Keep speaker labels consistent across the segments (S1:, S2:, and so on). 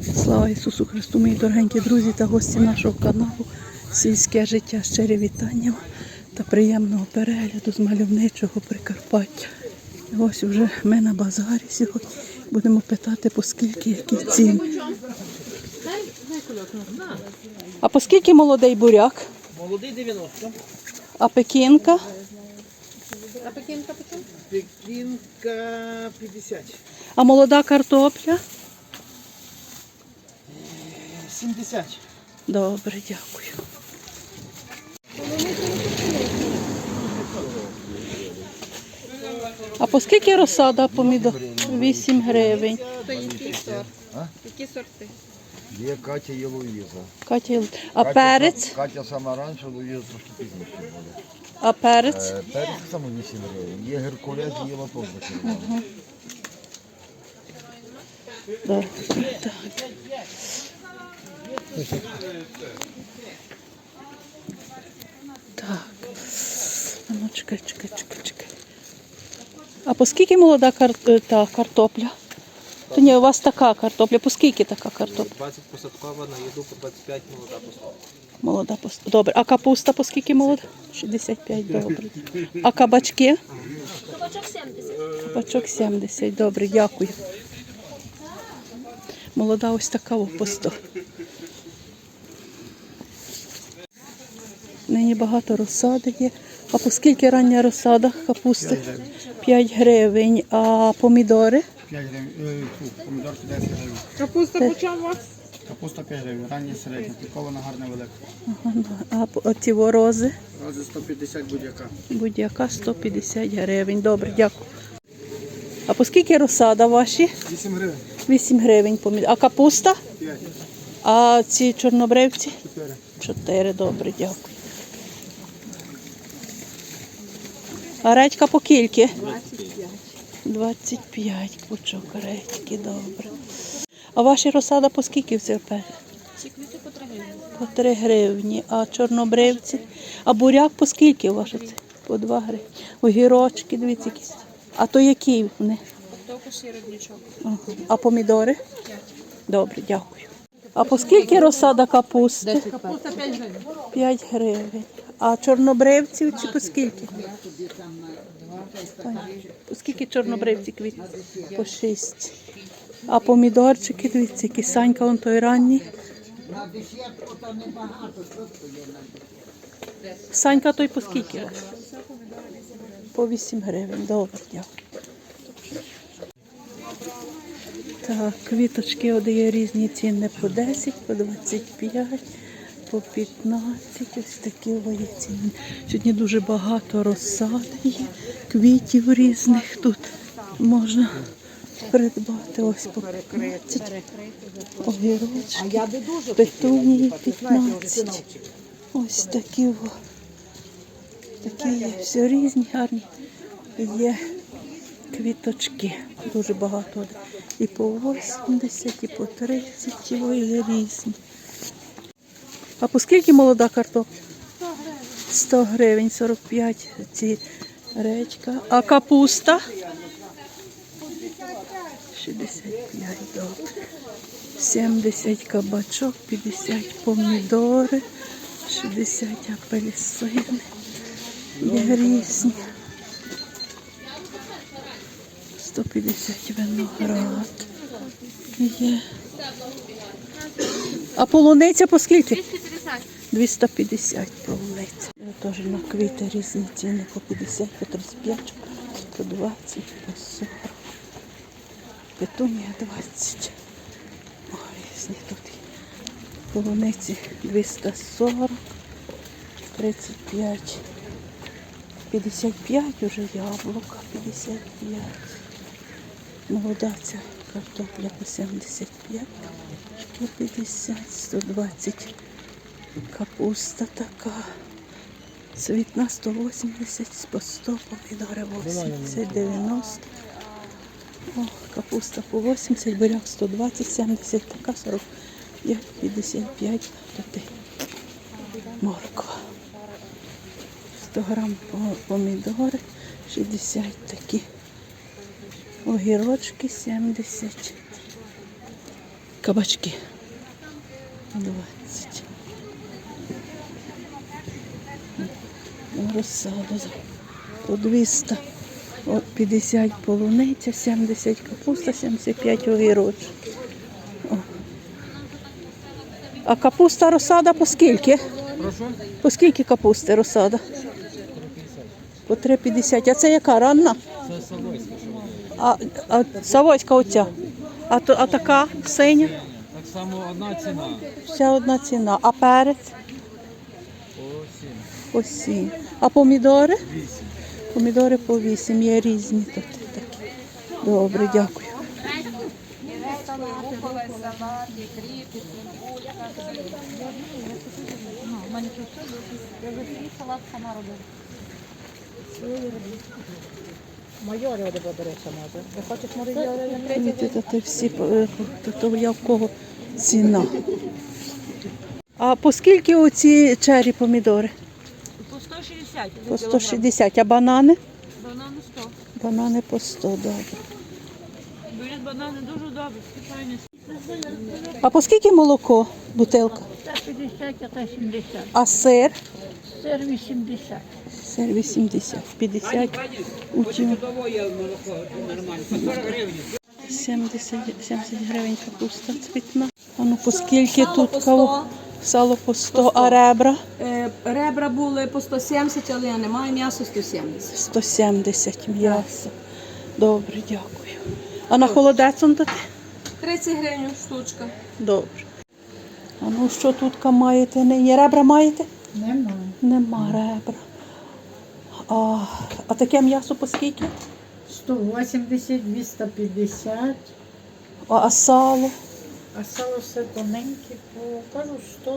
S1: Слава Ісусу Христу, мої дорогенькі друзі та гості нашого каналу «Сільське життя». Щирі вітання та приємного перегляду з мальовничого Прикарпаття. Ось вже ми на базарі сьогодні. Будемо питати, по скільки, які ціни. А по скільки молодий буряк?
S2: Молодий 90.
S1: А пекінка?
S3: А пекінка по чому?
S2: Пекінка 50.
S1: А молода картопля?
S2: 70.
S1: Добре, дякую. А по скільки розсада помідор? 8 гривень.
S3: То який сорт? Які сорти?
S4: Є Катя, є Луїза.
S1: Катя, а перець?
S4: Катя сама раніше, Луїза трошки пізніше буде.
S1: А перець?
S4: Перець саме 8 гривень. Є Геркулес, є лоток за червоно.
S1: Добре, так. Так. А ну, чекай. А по скільки молода картопля? То ні, у вас така картопля. По скільки така картопля?
S2: 20 посадкова, на їду по 25 молода посадкова.
S1: Молода добре. А капуста по скільки молода? 65, добре. А кабачки?
S3: Кабачок 70.
S1: Кабачок 70, добре, дякую. Молода ось така по 100. Нині багато розсади є. А по скільки рання розсада капусти? 5 гривень. А помідори?
S5: 5 гривень, помідорки 10 гривень.
S3: Капуста по чому у вас?
S5: Капуста 5 гривень, рання середня, пікована, гарна, велика.
S1: А ці рози?
S5: Рози 150 будь-яка.
S1: Будь-яка 150 гривень. Добре, дякую. А по скільки розсада ваші?
S5: 8 гривень.
S1: 8 гривень помідор. А капуста?
S5: 5.
S1: А ці чорнобривці?
S5: 4.
S1: 4, добре, дякую. А редька по кільки?
S3: 25.
S1: 25 пучок редьки, добре. А ваші розсада по скільки в церпелі?
S3: Ці квіти по 3 гривні.
S1: По 3 гривні. А чорнобривці? А буряк по скільки у вас? По 2 гривні. Огірочки, дивіться якісь. А то які вони?
S3: Октопус і родничок.
S1: Ага. А помідори?
S3: 5.
S1: Добре, дякую. А по скільки розсада капусти?
S3: Капуста 5 гривень.
S1: 5 гривень. А чорнобривців чи по скільки? По скільки чорнобривці квіт? По 6. А помідорчики, дивіться, які Санька, он той ранній. Санька той по скільки? По 8 гривень. Добре, дякую. Так, квіточки є різні ціни по 10, по 25, по 15. Ось такі є ціни. Сьогодні дуже багато розсади є, квітів різних тут можна придбати. Ось по 15, огірочки, петунії 15. Ось такі є, все різні, гарні є квіточки. Дуже багато. І по 80, і по 30, і є різні. А по скільки молода картопля? 100 гривень, 45 ці редька. А капуста? 65, добре. 70 кабачок, 50 помідори, 60 апельсини. Є різні. 150 виноград. Є. А полуниця по скільки?
S3: 250.
S1: 250 полуниця. Теж на квіти різні ціни по 50, по 35, по 20, по 40. Петунія 20. О, різні тут. Полуниці 240, 35, 55 уже яблука, 55. Молода ця картопля по 75, 50, 120. Капуста така. Цвітна 180, по 100, помідори 80, 90. О, капуста по 80, буряк 120, 70, така 45, 55. Тут морква. 100 грам помідори, 60 такі. Огірочки 70. Кабачки. 20. Розсаду по 200. 50 полуниця, 70 капуста, 75 огірочок. О. А капуста розсада по скільки?
S2: Прошу.
S1: По скільки капусти розсада? По 3,50. А це яка ранна?
S2: Це Савойська.
S1: А Савойська оця. А така синя?
S2: Так само одна ціна.
S1: Вся одна ціна. А перець?
S2: По 7.
S1: По 7. А помідори?
S2: 8.
S1: Помідори по 8. Є різні тут такі. Добре, дякую.
S3: Майори буде береться може. Не хочеш майори?
S1: Видите, то всі, то я в кого ціна. А по скільки оці чері помідори?
S3: По 160.
S1: По 160. А банани?
S3: Банани 100.
S1: Банани по 100, добре.
S3: Беруть банани дуже добре, спеціальні.
S1: А по скільки молоко, бутилка?
S6: Та 50, а та 70.
S1: А сир?
S6: Сир 80.
S1: Сир 80, 50. Утім. 70 гривень капуста цвітна. А ну по скільки тут кого? Сало по 100, а ребра?
S7: Ребра були по 170, але я не маю м'ясо 170.
S1: 170 м'ясо. Добре, дякую. А на холодець он дати?
S7: 30 гривень штучка.
S1: Добре. А ну що тут маєте нині? Ребра маєте?
S6: Немає.
S1: Нема ребра. А таке м'ясо по скільки?
S6: 180, 250.
S1: А сало?
S6: А сало все тоненьке, по, кажу, 100.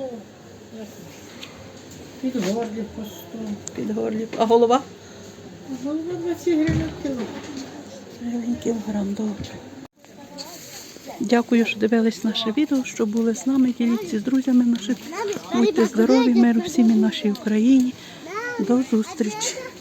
S6: Підгорлі по 100.
S1: Під горлі. А голова?
S6: Голова 20 гривень кіло.
S1: Гривень кілограм, добре. Дякую, що дивились наше відео, що були з нами. Діліться з друзями нашими. Будьте здорові, миру всім і нашій Україні. До зустрічі.